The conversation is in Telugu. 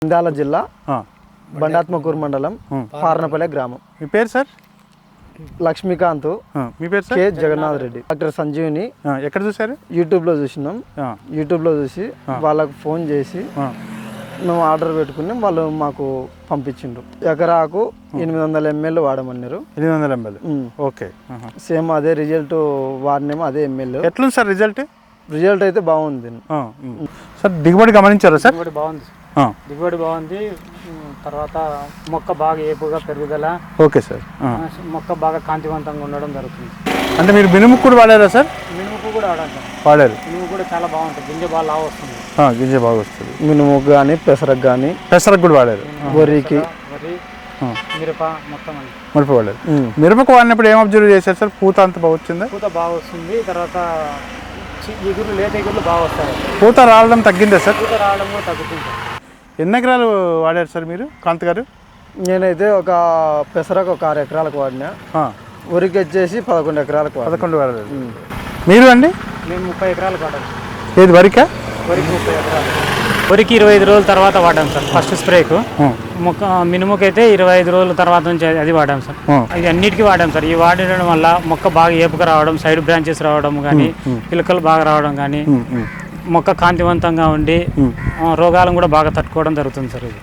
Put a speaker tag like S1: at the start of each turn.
S1: నంద్యాల జిల్లా బండాత్మకూరు మండలం పార్నపల్లె గ్రామం.
S2: మీ పేరు సార్?
S1: లక్ష్మీకాంత్.
S2: మీ పేరు sir?
S1: K Jagannath Reddy. Doctor Sanjeevini.
S2: ఎక్కడ చూసారు?
S1: యూట్యూబ్లో చూసినాం. యూట్యూబ్లో చూసి వాళ్ళకు ఫోన్ చేసి మేము ఆర్డర్ పెట్టుకుని వాళ్ళు మాకు పంపించిండ్రు. ఎకరాకు 800 ml వాడమన్నారు.
S2: 800 ml. ఓకే.
S1: సేమ్ అదే రిజల్ట్ వాడినేమో అదే ఎంఎల్.
S2: ఎట్లుంది సార్ రిజల్ట్?
S1: రిజల్ట్ అయితే బాగుంది
S2: సార్. దిగుబడి గమనించారా సార్?
S3: దిగుబడి బాగుంది. దిగుబడి బాగుంది. తర్వాత మొక్క బాగా ఏపుగా పెరుగుదల.
S2: Okay sir.
S3: మొక్క బాగా కాంతివంతంగా ఉండడం జరుగుతుంది.
S2: అంటే మీరు మినుముకు కూడా వాడారా సార్?
S3: మినుముకు కూడా వాడాలి సార్.
S2: వాడారు.
S3: మినుము కూడా చాలా బాగుంటుంది. గింజ బాగా లావు వస్తుంది.
S2: గింజ బాగా వస్తుంది.
S1: మినుముకు కానీ పెసరకు కానీ.
S2: పెసరకు కూడా వాడారు.
S1: వరికి,
S3: వరి, మిరప మొత్తం అని
S2: మిరప వాడారు. మిరపకు వాడినప్పుడు ఏం అబ్జర్వ్ చేశారు సార్? పూత అంత బాగా వచ్చిందా?
S3: పూత బాగా వస్తుంది. తర్వాత ఎగురు లేత ఎగురులు బాగా వస్తాయి.
S2: పూత రావడం తగ్గిందా సార్?
S3: పూత రావడం కూడా తగ్గుతుంది.
S2: ఎన్ని ఎకరాలు వాడారు సార్ మీరు, కాంత్ గారు?
S1: నేనైతే ఒక పెసరకు ఒక 6 ఎకరాలకు వాడినా. వరికి వచ్చేసి 11 ఎకరాలకు
S2: 11 వాడారు. మీరు అండి?
S3: మేము 30 ఎకరాలకు వాడాం.
S2: ఏది వరికా?
S3: వరికి 30 ఎకరాలు. వరికి 25 రోజుల తర్వాత వాడాం సార్ ఫస్ట్ స్ప్రేకు. మొక్క మినుముకైతే 25 రోజుల తర్వాత నుంచి అది వాడాం సార్. ఇది అన్నిటికీ వాడాం సార్. ఈ వాడడం వల్ల మొక్క బాగా ఏపుగా రావడం, సైడ్ బ్రాంచెస్ రావడం కానీ, పిలకలు బాగా రావడం కానీ, మొక్క కాంతివంతంగా ఉండి రోగాలను కూడా బాగా తట్టుకోవడం జరుగుతుంది సార్. ఇది